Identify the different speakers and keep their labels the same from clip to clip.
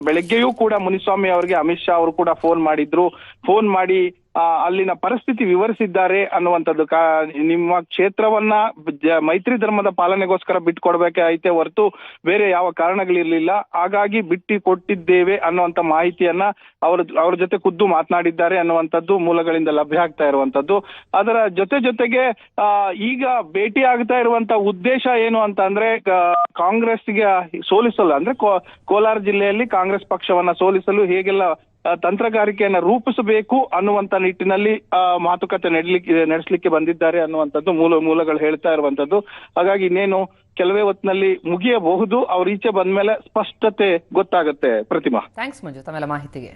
Speaker 1: ಬೆಳಗ್ಗೆಯೂ ಕೂಡ ಮುನಿಸ್ವಾಮಿ ಅವರಿಗೆ ಅಮಿತ್ ಶಾ ಅವರು ಕೂಡ ಫೋನ್ ಮಾಡಿ ಅಲ್ಲಿನ ಪರಿಸ್ಥಿತಿ ವಿವರಿಸಿದ್ದಾರೆ ಅನ್ನುವಂಥದ್ದು. ನಿಮ್ಮ ಕ್ಷೇತ್ರವನ್ನ ಮೈತ್ರಿ ಧರ್ಮದ ಪಾಲನೆಗೋಸ್ಕರ ಬಿಟ್ಕೊಡ್ಬೇಕಾಯ್ತೆ ಹೊರತು ಬೇರೆ ಯಾವ ಕಾರಣಗಳಿರ್ಲಿಲ್ಲ, ಹಾಗಾಗಿ ಬಿಟ್ಟು ಕೊಟ್ಟಿದ್ದೇವೆ ಅನ್ನುವಂಥ ಮಾಹಿತಿಯನ್ನ ಅವ್ರ ಜೊತೆ ಖುದ್ದು ಮಾತನಾಡಿದ್ದಾರೆ ಅನ್ನುವಂಥದ್ದು ಮೂಲಗಳಿಂದ ಲಭ್ಯ ಆಗ್ತಾ ಇರುವಂತದ್ದು. ಅದರ ಜೊತೆಗೆ ಈಗ ಭೇಟಿ ಆಗ್ತಾ ಇರುವಂತ ಉದ್ದೇಶ ಏನು ಅಂತ ಅಂದ್ರೆ ಕಾಂಗ್ರೆಸ್ಗೆ ಸೋಲಿಸಲು, ಅಂದ್ರೆ ಕೋಲಾರ ಜಿಲ್ಲೆಯಲ್ಲಿ ಕಾಂಗ್ರೆಸ್ ಪಕ್ಷವನ್ನ ಸೋಲಿಸಲು ಹೇಗೆಲ್ಲ ತಂತ್ರಗಾರಿಕೆಯನ್ನ ರೂಪಿಸಬೇಕು ಅನ್ನುವಂತ ನಿಟ್ಟಿನಲ್ಲಿ ಮಾತುಕತೆ ನಡೆಸಲಿಕ್ಕೆ ಬಂದಿದ್ದಾರೆ ಅನ್ನುವಂಥದ್ದು ಮೂಲಗಳು ಹೇಳ್ತಾ ಇರುವಂತದ್ದು. ಹಾಗಾಗಿ ಇನ್ನೇನು ಕೆಲವೇ ಹೊತ್ತಿನಲ್ಲಿ ಮುಗಿಯಬಹುದು. ಅವ್ರ ಈಚೆ ಬಂದ್ಮೇಲೆ ಸ್ಪಷ್ಟತೆ ಗೊತ್ತಾಗುತ್ತೆ. ಪ್ರತಿಮಾ,
Speaker 2: ಥ್ಯಾಂಕ್ಸ್ ಮಂಜು ತಮ್ಮೆಲ್ಲ ಮಾಹಿತಿಗೆ.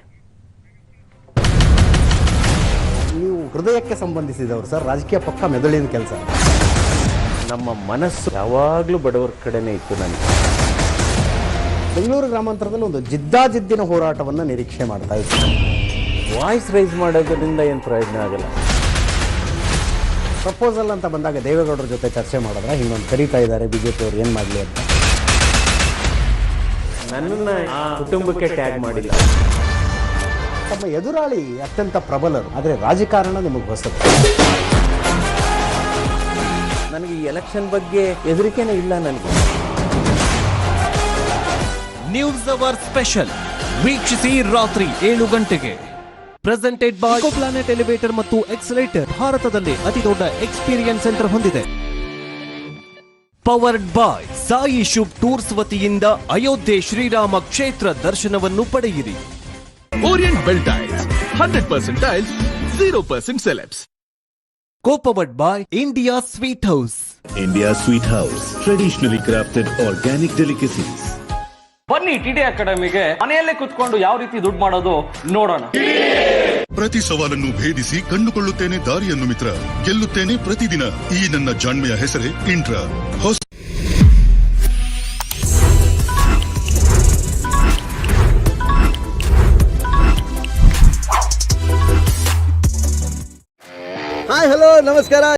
Speaker 3: ನೀವು ಹೃದಯಕ್ಕೆ ಸಂಬಂಧಿಸಿದವರು ಸರ್, ರಾಜಕೀಯ ಪಕ್ಕ ಮೆದುಳಿನ ಕೆಲಸ.
Speaker 4: ನಮ್ಮ ಮನಸ್ಸು ಯಾವಾಗ್ಲೂ ಬಡವರ ಕಡೆನೇ ಇತ್ತು. ನನಗೆ
Speaker 3: ಬೆಂಗಳೂರು ಗ್ರಾಮಾಂತರದಲ್ಲಿ ಒಂದು ಜಿದ್ದಾಜಿದ್ದಿನ ಹೋರಾಟವನ್ನು ನಿರೀಕ್ಷೆ ಮಾಡ್ತಾ ಇದ್ದೀನಿ.
Speaker 4: ವಾಯ್ಸ್ ರೈಸ್ ಮಾಡೋದ್ರಿಂದ ಏನು ಪ್ರಯೋಜನ ಆಗಲ್ಲ.
Speaker 3: ಪ್ರಪೋಸಲ್ ಅಂತ ಬಂದಾಗ ದೇವೇಗೌಡರ ಜೊತೆ ಚರ್ಚೆ ಮಾಡಿದ್ರೆ ಹಿಂಗೊಂದು ಕರೀತಾ ಇದ್ದಾರೆ ಬಿಜೆಪಿ ಅವರು, ಏನು ಮಾಡಲಿ ಅಂತ.
Speaker 4: ನನ್ನನ್ನ ಆ ಕುಟುಂಬಕ್ಕೆ ಟ್ಯಾಗ್ ಮಾಡಿಲ್ಲ.
Speaker 3: ತಮ್ಮ ಎದುರಾಳಿ ಅತ್ಯಂತ ಪ್ರಬಲರು, ಆದರೆ ರಾಜಕಾರಣ ನಿಮಗೆ ಹೊಸದು.
Speaker 4: ನನಗೆ ಈ ಎಲೆಕ್ಷನ್ ಬಗ್ಗೆ ಹೆದರಿಕೆನೇ ಇಲ್ಲ. ನನಗೆ
Speaker 5: ನ್ಯೂಸ್ ಅವರ್ ಸ್ಪೆಷಲ್ ವೀಕ್ಷಿಸಿ ರಾತ್ರಿ 7 ಗಂಟೆಗೆ. ಪ್ರೆಸೆಂಟೆಡ್ ಬೈ ಪ್ಲಾನೆಟ್ ಎಲಿವೇಟರ್ ಮತ್ತು ಎಕ್ಸಲೇಟರ್, ಭಾರತದಲ್ಲಿ ಅತಿ ದೊಡ್ಡ ಎಕ್ಸ್ಪೀರಿಯನ್ಸ್ ಸೆಂಟರ್ ಹೊಂದಿದೆ. Powered by Sai Shubh tours ವತಿಯಿಂದ ಅಯೋಧ್ಯೆ ಶ್ರೀರಾಮ ಕ್ಷೇತ್ರ ದರ್ಶನವನ್ನು ಪಡೆಯಿರಿ.
Speaker 6: Orient Bell Tiles, 100% tiles, 0% celebs.
Speaker 5: Co-powered by India Sweet House.
Speaker 7: India Sweet House, traditionally crafted organic delicacies.
Speaker 8: ಬನ್ನಿ ಟಿಡಿ ಅಕಾಡೆಮಿಗೆ, ಮನೆಯಲ್ಲೇ ಕುತ್ಕೊಂಡು ಯಾವ ರೀತಿ ದುಡ್ಡು ಮಾಡೋದು ನೋಡೋಣ.
Speaker 9: ಪ್ರತಿ ಸವಾಲನ್ನು ಭೇದಿಸಿ ಕಂಡುಕೊಳ್ಳುತ್ತೇನೆ ದಾರಿಯನ್ನು ಮಿತ್ರ, ಗೆಲ್ಲುತ್ತೇನೆ ಪ್ರತಿದಿನ. ಈ ನನ್ನ ಜಾಣ್ಮೆಯ ಹೆಸರೇ ಇಂಟ್ರಾ.
Speaker 3: ಹಾಯ್ ಹಲೋ ನಮಸ್ಕಾರ.